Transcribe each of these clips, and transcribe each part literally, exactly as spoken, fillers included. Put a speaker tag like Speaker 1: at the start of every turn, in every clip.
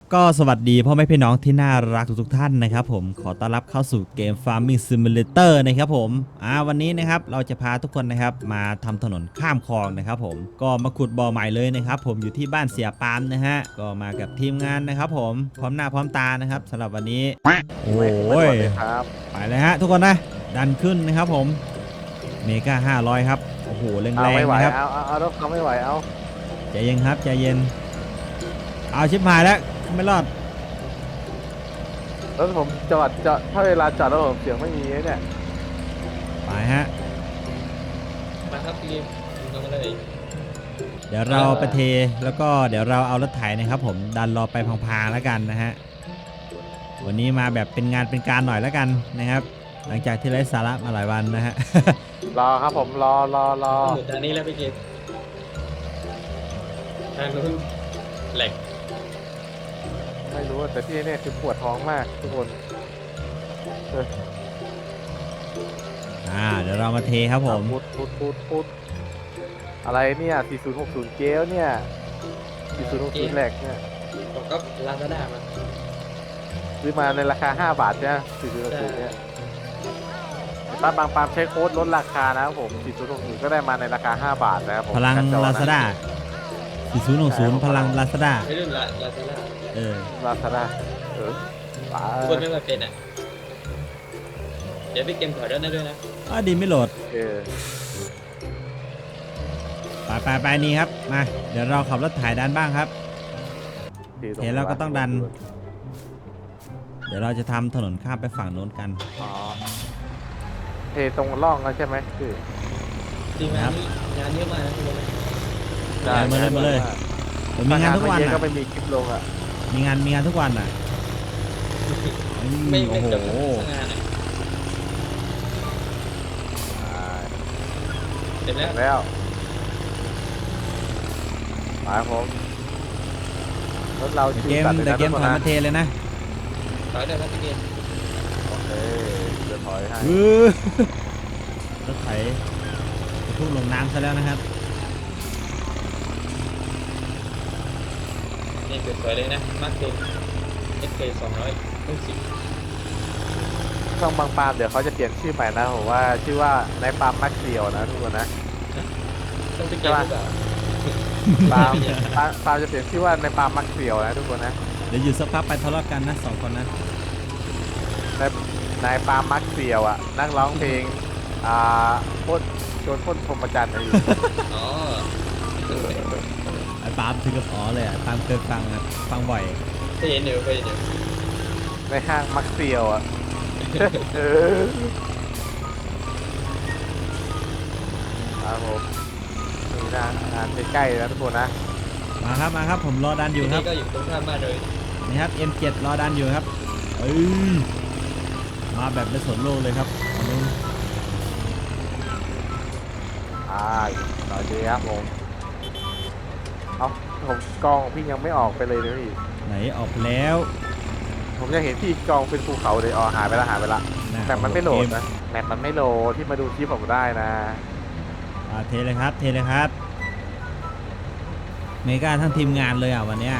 Speaker 1: ก็สวัสดีพ่อแม่พี่น้องที่น่ารักทุกๆท่านนะครับผมขอต้อนรับเข้าสู่เกม Farming Simulator นะครับผมอ่าวันนี้นะครับเราจะพาทุกคนนะครับมาทำถนนข้ามคลองนะครับผมก็มาขุดบ่อใหม่เลยนะครับผมอยู่ที่บ้านเสียปามนะฮะก็มากับทีมงานนะครับผมพร้อมหน้าพร้อมตานะครับสำหรับวันนี้โอ้ยไปเลยฮะทุกคนนะดันขึ้นนะครับผมเมกาห้าร้อยครับโอ้โหแรงๆนะครับ
Speaker 2: เอาเอาเอารถเขาไม่ไหวเอา
Speaker 1: ใจเย็นครับใจเย็นเอาชิบหายแล้วไม่รอด
Speaker 2: รถผมจอดจอดถ้าเวลาจอดแล้วผมเสียงไม่มีเนี่ย
Speaker 1: ไปฮะ
Speaker 3: มาครับพี่ลงมาเลย
Speaker 1: เดี๋ยวเราไปเทแล้วก็เดี๋ยวเราเอารถไถนะครับผมดันรอไปพางๆแล้วกันนะฮะวันนี้มาแบบเป็นงานเป็นการหน่อยแล้วกันนะครับหลังจากที่ไร้สาระมาหลายวันนะฮะ
Speaker 2: รอครับผมรอรอรอ
Speaker 3: หมุดทางนี้แล้วพี่เกมทางนู้นแหลก
Speaker 2: ไม่รู้แต่ที่นี่คือปวดท้องมากทุกคน
Speaker 1: อ่าเดี๋ยวเรามาเทครับผม
Speaker 2: พุดพุดพุดพุดอะไรเนี่ยสี่ศูนย์หกศูนย์เกลเนี่ยสี่ศูนย์หกศูนย์แหลกเนี่ย
Speaker 3: ผมก็ลาซาด้ามา
Speaker 2: ซื้อมาในราคาห้าบาทเนี่ยสี่ศูนย์หกศูนย์เนี่ยป้าบางปามใช้โค้ดลดราคานะครับผมสี่ศูนย์หกศูนย์ก็ได้มาในราคาห้าบาทนะครับผม
Speaker 1: พลังลาซาด้าสี่ศูนย์หกศูนย์พลังลาซาด้า
Speaker 3: ไม่รุ่นลาลาซาด้า
Speaker 1: เออ
Speaker 2: ลาซาด้าเออ
Speaker 3: คนไม่มาเป็นอ่ะเดี๋ยวพี่เกมถอยรถได้ด้วยนะ
Speaker 1: อ๋อดีไม่โหลด
Speaker 2: เออ
Speaker 1: ไปไปไปนี่ครับมาเดี๋ยวเราขับรถถ่ายดันบ้างครับเห็นเราก็ต้องดันเดี๋ยวเราจะทำถนนข้ามไปฝั่งโน้นกัน
Speaker 2: อ๋อเทตรงร่องแล้วใช่ไหมคือ
Speaker 3: จริงงานงานเยอะมากนะทุกคน
Speaker 1: ได้มาเลยมาเลยผมมีงานทุกวันอ่ะ
Speaker 2: ก็ไม่มีคลิปลงอ่ะ
Speaker 1: มีงานมีงานทุกวันอ่ะ
Speaker 3: ไม่ไม่จบงานเสร็จแล้ว
Speaker 2: แล้วไปผมรถเรา
Speaker 1: เกมแต่เกมถอยมาเทเลยนะ
Speaker 3: ถอยได้แล้วพี่เกม
Speaker 2: โอเคจะถอยให้
Speaker 1: รถไถพุ่งลงน้ำซะแล้วนะครับ
Speaker 3: นี่เกิดสวยเลยนะมาร์คเกมเอสเคสองร้อยต้นสิบ
Speaker 2: ช่องบางปามเดี๋ยวเขาจะเปลี่ยนชื่อใหม่นะผมว่าชื่อว่าในปามมักเดียวนะทุกคนนะ
Speaker 3: ต้องไปเกมหรือเปล่า
Speaker 2: ปามปามจะเปลี่ยนชื่อว่าในปามมักเดียวนะทุกคนนะ
Speaker 1: เดี๋ยวอยู่สักพักไปทะเลาะกันนะสองคนนะ
Speaker 2: ในในปามมักเดียวอ่ะนักร้องเพลงอ่าพ่นโจนพ่นพรหมจันทร์อยู่
Speaker 3: อ๋อ
Speaker 1: ไอ้ปาล์มถึงกับอ๋อเลยอ่ะปาล์มเคยฟังนะฟังบ่อย
Speaker 3: เคยเห็นเดี๋ยวเคยเห็นเดี๋ยว
Speaker 2: ในห้างมักเดียวอ่ะเออครับผมนี่นะงานใกล้ๆแล้วทุกคนนะ
Speaker 1: มาครับมาครับผมรอดันอยู่ครับ
Speaker 3: ก็อยู่ตรงข้ามบ้านเลย
Speaker 1: นี่ครับ เอ็ม เจ็ด รอดันอยู่ครับเอ้ยมาแบบไม่สนโลกเลยครับอันนี้
Speaker 2: อ่าต่อดีครับผมเอาผมกองพี่ยังไม่ออกไปเลยเลยพี่
Speaker 1: ไหนออกแล้ว
Speaker 2: ผมยังเห็นพี่กองเป็นภูเขาเลยอ๋อหายไปแล้วหายไปละแต่มันไม่โหลดนะแมปมันไม่โหลดที่มาดูคลิปผมได้นะ
Speaker 1: อ่าเทเลยครับเทเลยครับเมกาทั้งทีมงานเลยอ่ะวันเนี้ย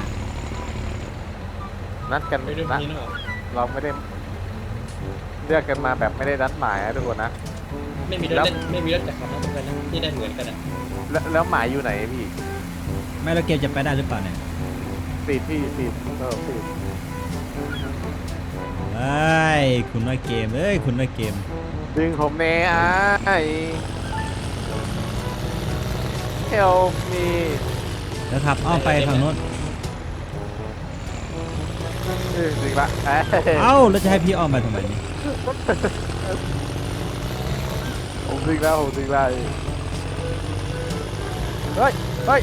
Speaker 2: นัดกันนะเราไม่ได้เลือกกันมาแบบไม่ได้นัดหมายนะทุกคนนะ
Speaker 3: ไม่มีรถไม่มีรถจักรยานเหมือนกันนะที่ได้เหมือนกันอ่ะ
Speaker 2: แล้วหมายอยู่ไหนพี่
Speaker 1: ไม่เราเกมจะไปได้หรือเปล่าเนี่ย
Speaker 2: ปีดพี่ปีดเออปีด
Speaker 1: เฮ้ยคุณน้อยเกมเอ้ยคุณน้อยเกม
Speaker 2: ดึงผมเน่ไอ้ help me
Speaker 1: แล้วขับอ้อมไปฝั่งโน้น
Speaker 2: ดึงละ
Speaker 1: เอ้าแล้วจะให้พี่อ้อมไปทำไมนี่
Speaker 2: ผมดึงแล้วผมดึงแล้วเฮ้ยเฮ้ย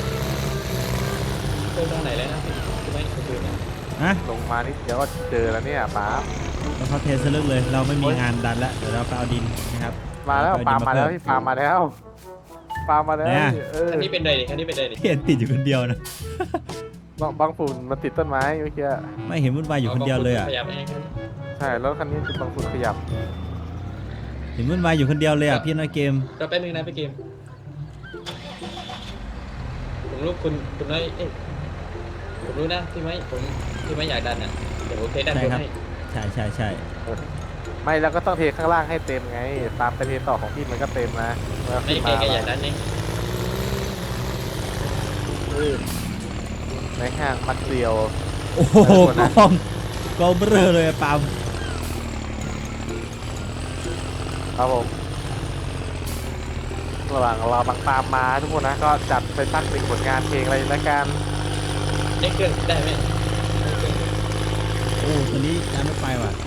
Speaker 3: เจอตรงไหนแล้วนะคือไม่คือนะ
Speaker 1: ฮะ
Speaker 2: ลงมานิดเดียวก็เจอแล้วเนี่ยป๊า
Speaker 1: แล้วเขาเทสลึกเลยเราไม่มีงานดันแล้วเดี๋ยวเราไปเอาดินนะครับ
Speaker 2: มาแล้วปามาแล้วพี่ปามาแล้วปามาแล้ว
Speaker 3: อันนี้เป็นไรดิอันนี้เป็นไรดิ
Speaker 1: เห็นติดอยู่คนเดียวนะ
Speaker 2: บางฝุ่นมันติดต้นไม้เมื่อกี้
Speaker 1: ไม่เห็นวุ่นวายอยู่คนเดียวเลยอ่ะ
Speaker 2: ใช่แล้วคันนี้คือบางฝุ่นขยับ
Speaker 1: เห็นวุ่นวายอยู่คนเดียวเลยอ่ะพี่น้อยเกม
Speaker 3: เราไปมึงนะไปเกมผมลูกคุณคุณน้อยเอ๊ะผมรู้นะพี่ไม้ผมพี่ไม้อยากดันอ่ะเดี๋ยวผมเทดัน
Speaker 1: ใช่
Speaker 3: บน
Speaker 1: ครับ
Speaker 3: ให้
Speaker 1: ใช่ใช่ใช่
Speaker 2: ไม่แล้วก็ต้องเทข้างล่างให้เต็มไง ตามไปเทต่อของพี่มันก็เต็มนะเมื่อ
Speaker 3: ไม่
Speaker 2: ขึ้น
Speaker 3: แก
Speaker 2: มา
Speaker 3: แกอยากดันนี่
Speaker 2: อืมในห้างมักเดียว
Speaker 1: โอ้โห
Speaker 2: ไปแล้ว
Speaker 1: กองกองเบลอเลยอะปาล์ม
Speaker 2: ครับผมระหว่างรอบางปามมาทุกคนนะก็จัดไปสักหนึ่งผลงานเพลงอะไรละกัน
Speaker 3: ได้เครื่องได้ไหมได้เครื่อง
Speaker 1: โอ้ตัวนี้ยังไม่ไปว่ะ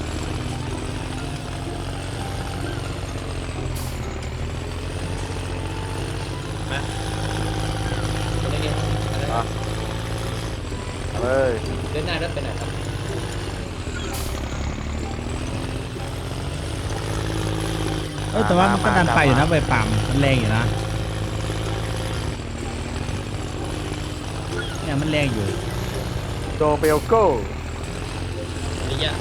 Speaker 3: มาคนนี้ไงอะไร
Speaker 2: อ่ะเอาเลย
Speaker 3: เดินหน้ารถไปไหนครับ
Speaker 1: เออแต่ว่ามันก็ดันไปอยู่นะใบปาล์มมันแรงอยู่นะเนี่ยมันแรงอยู่
Speaker 2: โดเบลโก้
Speaker 3: ระยะ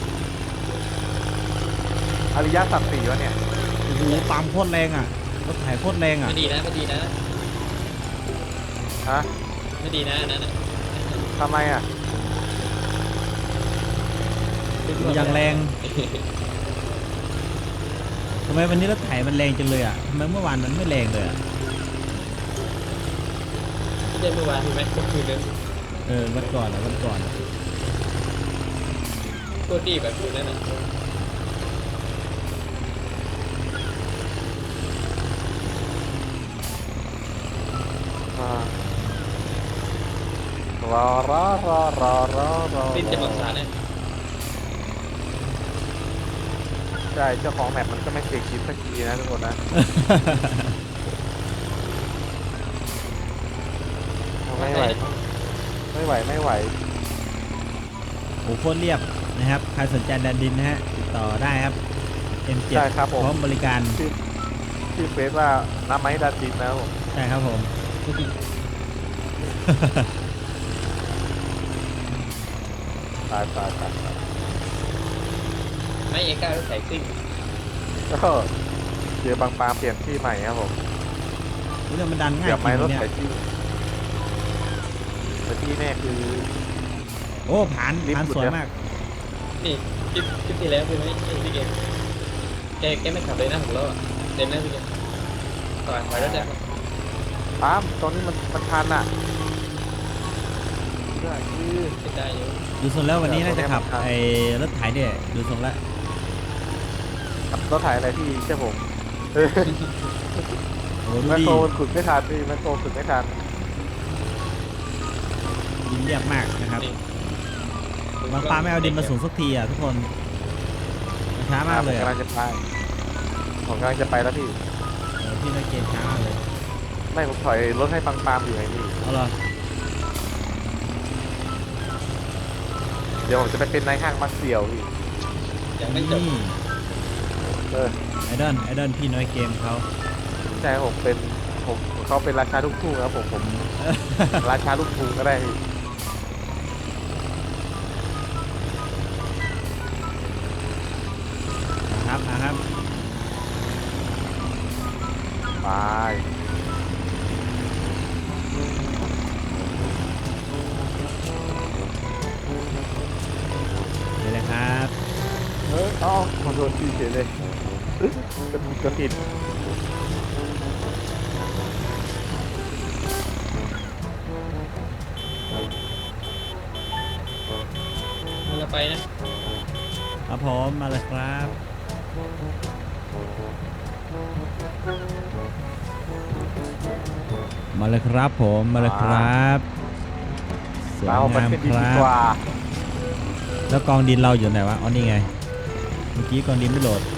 Speaker 2: อริยสัจสี่วะเนี่ย
Speaker 1: โอ้โหปาล์มโคตรแรงอ่ะรถไถโคตรแรงอ่ะ
Speaker 3: ไม่ดีนะไม่ดีนะ
Speaker 2: ฮะ
Speaker 3: ไม่ดีนะอันนั้นน่ะ
Speaker 2: ทำไมอ่ะ
Speaker 1: ดูอย่างแรงทำไมวันนี้รถไถมันแรงจังเลยอ่ะทำไมเมื่อวานมันไม่แรงเลยอ่ะ
Speaker 3: ที่ได้เมื่อวานพี่ไม้เมื่อคืนนึง
Speaker 1: เออวันก่อนอ่ะวันก่อนอะ
Speaker 3: โคตรดีแบบคืนนั้นน่ะ
Speaker 2: อ่ารอรอรอรอรอรอ
Speaker 3: สิ้นจะบอกสารเนี่ย
Speaker 2: ใช่เจ้าของแมปมันก็ไม่เคยคิดสักทีนะทุกคนนะ ไม่ไหวไม่ไหวไม่ไหว
Speaker 1: โอ้โหโคตรเรียบนะครับใครสนใจดันดินนะฮะติดต่อได้ครับ เอ็ม เจ็ด
Speaker 2: ใช่ครับผม
Speaker 1: พร้อมบริการ
Speaker 2: ชื่อชื่อเฟซว่าน้ำไม้ดันดินนะครับผม
Speaker 1: ใช่ครับผม
Speaker 2: ตายตายตายตาย
Speaker 3: ไม่เอก้ารถไถซิ่ง
Speaker 2: ก็เจอบางปามเปลี่ยนที่ใหม่ครับผม
Speaker 1: นี่เรื่องมันดันง่าย
Speaker 2: เดี๋ยว
Speaker 1: จ
Speaker 2: ไม้
Speaker 1: ริง
Speaker 2: รถ
Speaker 1: เนี่ย
Speaker 2: ไถที่แต่ที่แน่คือ
Speaker 1: โอ้ผ่าน
Speaker 2: ลิฟต์
Speaker 1: ผ่าน
Speaker 2: หลุด
Speaker 1: สวย
Speaker 2: แล้ว
Speaker 1: มาก
Speaker 3: นี่คลิปคลิปที่แล้วพี่ไม้ไอ้พี่เกมแกแกไม่ขับเลยนะผมล้ออะเดินหน้าพี่เกมต่อยไปรถได้ปะ
Speaker 2: ปามตรงนี้มันมันทันอ่ะได้คือ
Speaker 3: ไม่ได้อยู่
Speaker 1: ดูทรงแล้ววันนี้น่าจะขับ
Speaker 2: เดี๋ยว
Speaker 1: ไอ้รถไถเนี่ยดูทรงแล้ว
Speaker 2: ขับรถถ่ายอะไรที่ใช่ผมเออ
Speaker 1: โอ้โหดู
Speaker 2: แมค
Speaker 1: ดิ
Speaker 2: โครมันขุดไม่ทันพี่แมคโครขุดไม่ทัน
Speaker 1: ดินเรียบมากนะครับ
Speaker 3: นี่
Speaker 1: บางปลาไม่เอาดินมาสูงสักทีอ่ะทุกคนมันช้ามากเลย
Speaker 2: ผม
Speaker 1: อะ
Speaker 2: กำลังจะไปผมกำลังจะไปแล้วพี่
Speaker 1: เออพี่นักเกมช้ามากเลย
Speaker 2: ไม่ผมถอยรถให้ปังปามอยู่ไงพี่
Speaker 1: เอาเหรอ
Speaker 2: เดี๋ยวผมจะไปเป็นนายห้างมักเสี่ยวพี่
Speaker 3: ยังไม่จบ
Speaker 1: นี่
Speaker 2: เออ
Speaker 1: ไอดอลไอดอลพี่น้อยเกมเขา
Speaker 2: ใช่ผมเป็นผมเขาเป็นราชาลูกทุ่งครับผมผม ราชาลูกทุ่งก็ได้พี่
Speaker 1: นะครับนะครับ
Speaker 2: ไป
Speaker 1: นี่เลยครับ
Speaker 2: เอออ๋อขอโทษพี่เฉยเลยเอ๊ะกระกระติด
Speaker 3: มันละไปนะครับ
Speaker 1: ผมมาเลยครับ มาเลยครับผมมาเลยครับสวย
Speaker 2: เรามัน
Speaker 1: งาม
Speaker 2: เป็นดี
Speaker 1: ค
Speaker 2: ดี
Speaker 1: รั
Speaker 2: กว่า
Speaker 1: บแล้วกองดินเราอยู่ไหนวะอ๋อนี่ไงเมื่อกี้กองดินไม่โหลด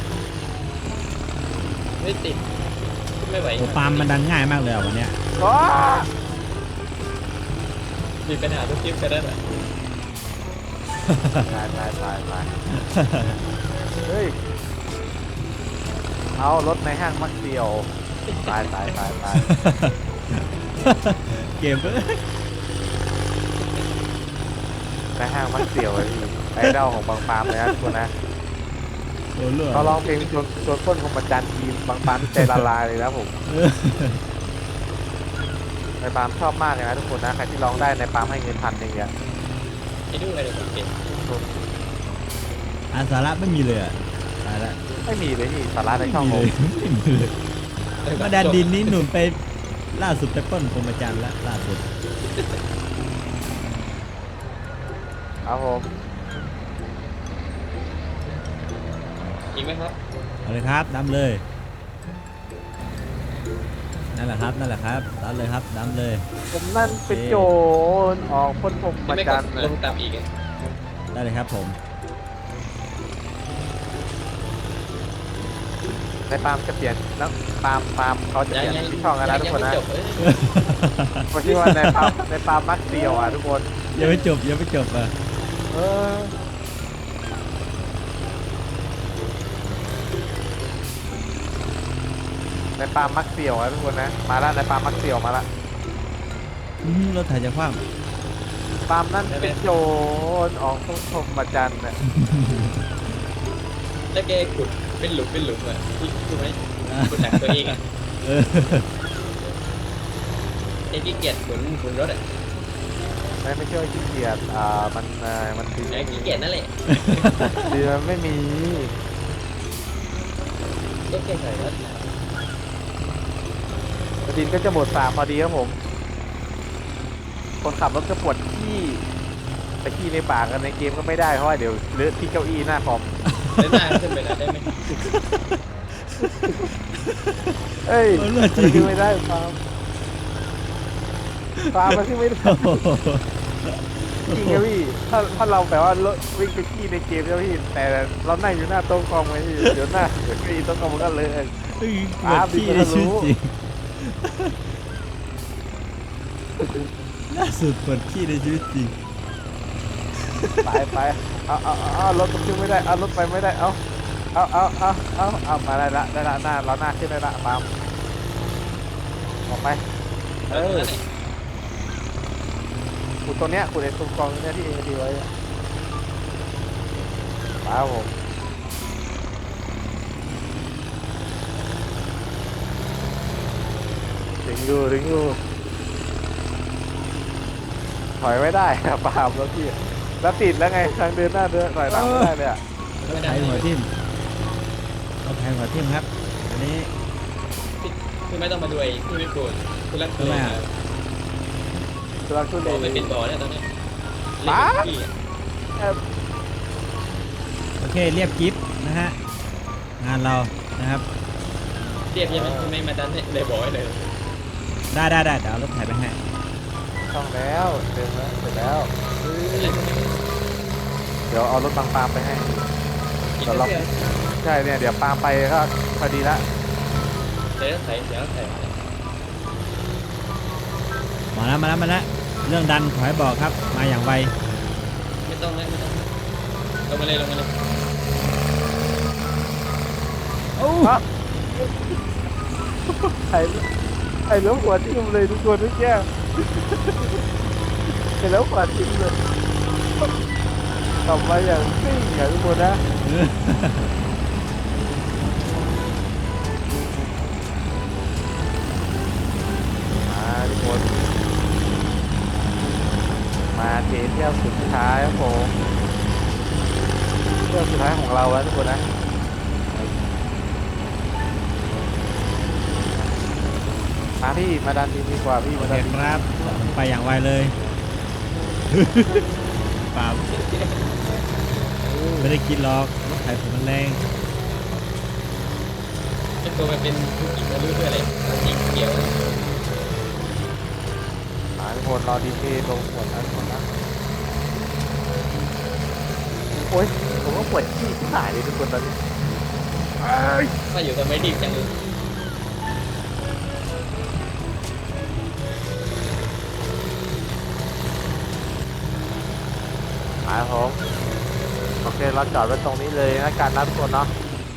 Speaker 3: ไม่ติดขึ้นไม่ไหว
Speaker 1: โอ้ปาล์มมันดันง่ายมากเลยอ่ะวันเนี้ย
Speaker 2: อ้า
Speaker 3: มีปัญหาทุกคลิปกันแล้วแหละ
Speaker 2: ตายตายตายตายเฮ้ยเอารถในห้างมักเสี่ยวตายตายตายตาย
Speaker 1: เกมเอ้ย
Speaker 2: ในห้างมักเสี่ยวเลยพี่ไอดอลของบางปามเลยนะทุกคนนะ
Speaker 1: โอ้เลือด
Speaker 2: เขาร้องเพลงชวนชวนต้นของบรรจันทีมบางปามใจละลายเลยนะผม
Speaker 1: เออ
Speaker 2: เอในปาล์มชอบมากเลยนะทุกคนนะใครที่ร้องได้ในปาล์มให้เงินพันหนึ่งเนี่ย
Speaker 3: ให้ดูอะไรผมเก็บ
Speaker 1: อาสาระไม่มีเลยอ่ะตายละ
Speaker 2: ไม่มีเลยนี่สาระใน
Speaker 1: ไม่
Speaker 2: ช่อง
Speaker 1: มี
Speaker 2: ผ
Speaker 1: เล
Speaker 2: ม
Speaker 1: ยไม่มีเลยมาดันดินนี้หนุนไปล่าสุดไปปล้นพรหมจันทร์ละล่าสุด
Speaker 2: ครับผม
Speaker 3: อีกไหมครับ
Speaker 1: เอาเลยครับดำเลยนั่นแหละครับนั่นแหละครับดำเลยครับดำเลย
Speaker 2: ผมนั่นเป็นโจรออกพ้นผม
Speaker 3: ไม่
Speaker 2: มา
Speaker 3: ไม่ก
Speaker 2: จั
Speaker 3: ด
Speaker 2: นทร์
Speaker 3: ลงตามอีกไง
Speaker 1: ได้เลยครับผม
Speaker 2: ในปาล์มจะเปลี่ยนแล้วปาล์มปาล์มเขาจะเปลี่ยนที่ช่องกันนะทุกคนนะ
Speaker 3: จบเอ้ย
Speaker 2: ผมคิดว่าในปาล์มในปาล์มมักเดียวอ่ะทุกคน
Speaker 1: ยังไม่จบยังไม่จบอ่ะ
Speaker 2: เออในปาล์มมักเสี่ยวอ่ะทุกคนนะมาแล้วในปาล์มมักเสี่ยวมาละ
Speaker 1: อืมรถถ่ายจะคว่
Speaker 2: ปาล์มนั่นเป็นโจรออกพ้นผมมาจันทร์น่ะ
Speaker 3: แล้วแกขุดเป็นหลุมเป็นหลุมอ่ะที่คือไหม
Speaker 1: ำ
Speaker 3: ขุดหนักตัวเองอ่ะ
Speaker 1: เออ
Speaker 3: ไอ้ขี้เกียจหมุนหมุนรถอ่ะ
Speaker 2: ไม่ไม่ใช่ว่าขี้เกียจอ่ามันเอ่อมันดี
Speaker 3: ไอ้ขี้เกียจนั่นแหละ
Speaker 2: ดีมันไม่มี
Speaker 3: ก็แค่ใส่รถ
Speaker 2: ดินก็จะหมดสามพอดีครับผม คนขับรถจะปวดขี้แต่ขี้ในปากกันในเกมก็ไม่ได้เพราะว่าเดี๋ยวเลอะที่เก้าอี้หน้าคอม
Speaker 3: เดินหน้าขึ้นไปแล้วได้ไหม
Speaker 2: เอ้ย
Speaker 1: เออเลือดจ
Speaker 2: มัน
Speaker 1: ริง
Speaker 2: ขึ้นไม่ได้ฟาร์มฟาร์มมันขึ้นไม่ได้
Speaker 1: โอ้โห
Speaker 2: จริงครับพี่ถ้าถ้าเราแบบว่ารถวิ่งไปขี้ในเกมแล้วพี่แต่เรานั่งอยู่หน้าโต๊ะคอมไงพี่เดี๋ยวหน้าเดี๋ยวเก้าอี้โต๊ะคอมมันก็เลอะ
Speaker 1: เฮ้ยป
Speaker 2: อ่าว
Speaker 1: ดขี้
Speaker 2: พี่
Speaker 1: ใน
Speaker 2: ก็
Speaker 1: ชี
Speaker 2: รู้
Speaker 1: วิตจริงล่าสุดปวดขี้ในชีวิตจริง
Speaker 2: ไปไปเอาเอาเอาเอารถมันขึ้นไม่ได้เอารถไปไม่ได้เอาเอาเอาเอาเอาเอามาได้ละได้ละหน้าเราหน้าขึ้นได้ละปาล์มออกไปเอ
Speaker 3: เอ
Speaker 2: อ
Speaker 3: อ
Speaker 2: ขุดตรงเนี้ยขุดไอ้ตรงกองเนี้ยที่เองดีไว้อะมาครับผมถึงอยู่ถึงอยู่ถอยไม่ได้อะปาล์มแล้วพี่แล้วติดแล้วไงทางเดินหน้าเดินถอยหลังไม่ได้เลยอะ
Speaker 1: รถไถหัวทิ่มรถไถหัวทิ่มครับ อันนี้
Speaker 3: คือไม่ต้องมาดูไอ้ที่ไม่โกรธคือรัก
Speaker 1: ทำไมอะ
Speaker 2: ตัวรักทุ
Speaker 3: บ
Speaker 2: เล
Speaker 3: อกไม่เป็น
Speaker 2: ย
Speaker 3: บ่อเนี่ยตอนนี้
Speaker 2: ป๊า
Speaker 3: เล่นขี้อะ
Speaker 2: เอ่อ
Speaker 1: โอเคเรียบกิฟต์นะฮะ งานเรานะครับ
Speaker 3: เรียบใช่ไหมคือไม่มาดันเนี่ยเลยบอกไว้เลย
Speaker 1: ได้ได้ได้เดี๋ยวเอารถไถไปให้
Speaker 2: ช่องแล้วเดินแล้วเสร็จแล้วเฮ้ยเดี๋ยวเอารถบางปาล์มไปให้
Speaker 3: อีก
Speaker 2: เดี๋ยวเรา
Speaker 3: เดียว
Speaker 2: ใช่เนี่ยเดี๋ยวปาล์มไปก็พอดีละ
Speaker 3: เดี๋ยวใส่เดี๋ยวใส่
Speaker 1: มาแล้วมาแล้วมาแล้วเรื่องดันขอให้บอกครับ มาอย่างไว
Speaker 3: ไม่ต้องนะไม่ต้องลงมาเลยลงมาเลย
Speaker 1: โอ้
Speaker 2: ฮะไอ้ไอ้แล้วหัวทิ่มเลยทุกคนทุกแก้วไอ้แล้วหัวทิ่มเลยกลับมาอย่างซิ่งอย่างทุกคนนะมาทุกคนมาเทเที่ยวสุดท้ายครับผมเที่ยวสุดท้ายของเราแล้วทุกคนนะมาพี่มาดันดีดีกว่าพี่
Speaker 1: โอ
Speaker 2: มา
Speaker 1: เค
Speaker 2: ดันดี
Speaker 1: ครับไปอย่างไวเลยเปล่าไม่ได้กินหรอกรถไถผมมันแรง
Speaker 3: ไอ้ตัวมันเป็นผู้หญิงไม่รู้เพื่ออะไรจริงเกี่ยว
Speaker 2: มาทุกคนรอดีเทลงหมดนะทุกคนนะโอ้ยผมก็ปวดขี้ที่หายเลยทุกคนตอนนี้เอ้ย
Speaker 3: ว่าอยู่ทำไมดีจังเลย
Speaker 2: มาครับผมโอเคเราจอดไว้ตรงนี้เลยนะการนัดทุกคนเนาะ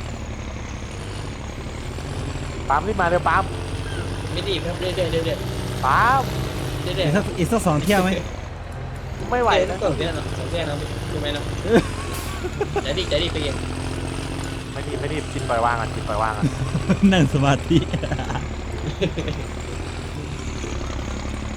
Speaker 2: ปาล์มรีบมาเดี๋ยวปาล์ม
Speaker 3: ไม่ดีครับเรื่อยๆเรื่อย
Speaker 2: ปาล์ม
Speaker 3: ๆเรื่อย
Speaker 1: อีก
Speaker 3: ๆ
Speaker 1: สักอีกสักสองเที่ยวไหม
Speaker 2: ไม่ไหว
Speaker 3: นะ
Speaker 2: นะ
Speaker 3: สองเที่ยวเนาะสองเที่ยวเนาะถูกไหมเนาะใจดีใจดีไปเอง
Speaker 2: ไม่ดีไม่ดีจิตปล่อยวางอ่ะจิตปล่อยวางอ่ะ
Speaker 1: นั่งสมาธิ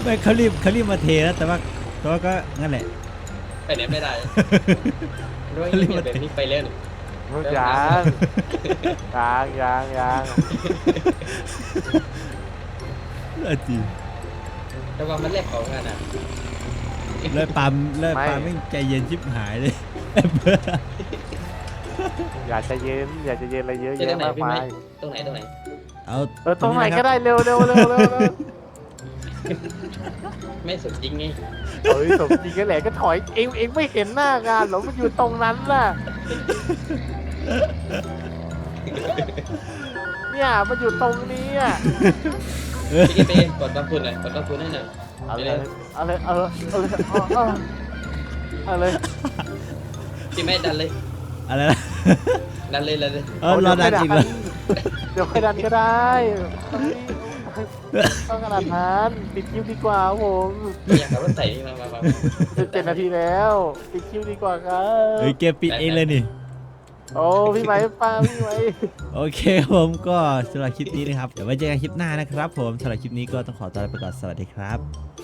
Speaker 1: ไม่เขารีบเขารีบมาเทแล้วแต่ว่าแต่ว่าก็งั้นแหละ
Speaker 3: ไปไหนไม่ได้ด้วยเงียบแบบนี้ไปแล้ว
Speaker 2: รู้ยังยังยังยัง
Speaker 1: เออจริง
Speaker 3: แต่ว่ามันแลกของกันอ่ะ
Speaker 1: เลยปามเลยปามไม่ใจเย็นชิบหายเลย
Speaker 2: อยากจะเย็นอยากจะเย็นอะไรเยอะ
Speaker 3: จะตร
Speaker 2: แยะ
Speaker 3: งไหน
Speaker 2: มาก
Speaker 3: พี่
Speaker 2: มา
Speaker 3: ไหม
Speaker 2: ย
Speaker 3: ตรงไหนตรงไหน
Speaker 1: เอา
Speaker 2: เออตรงไหน
Speaker 1: ะค
Speaker 2: ก็
Speaker 1: บ
Speaker 2: ได้เร็วเร็วเร็วเร็วเร็ว
Speaker 3: ไม่สนจริงไง
Speaker 2: เฮ้ยสมจริงก็แหละก็ถอยเองเองไม่เห็นหน้างานหรอมันอยู่ตรงนั้นน่ะเนี่ยมันอยู่ตรงนี้อ่ะ
Speaker 3: พี่เป้กดกระพุนหน่อยกดกระพุนให้หน่อย
Speaker 2: เอาเลยเอาเลยเอาเลยเอาเลยเอาเลย
Speaker 3: พี่ไม่ดันเลย
Speaker 1: อะไรนะ
Speaker 3: ดันเลยดันเลย
Speaker 1: เออรอดันอีกเลย
Speaker 2: เดี๋ยวค่อยดันก็ได้ต้องขนาดนั้นปิดคิวดีกว่าผม
Speaker 3: อยากขับรถใส่นี่มามามา
Speaker 2: สิบเจ็ดนาทีแล้วปิดคิวดีกว่าครับ
Speaker 1: เฮ้ยเกมปิดเองเลยนี่
Speaker 2: โอ้พี่ไหมป้าพี่ไหม
Speaker 1: โอเคผมก็สำหรับคลิปนี้นะครับเดี๋ยวไว้เจอกันคลิปหน้านะครับผมสำหรับคลิปนี้ก็ต้องขอตัวลาไปก่อนสวัสดีครับ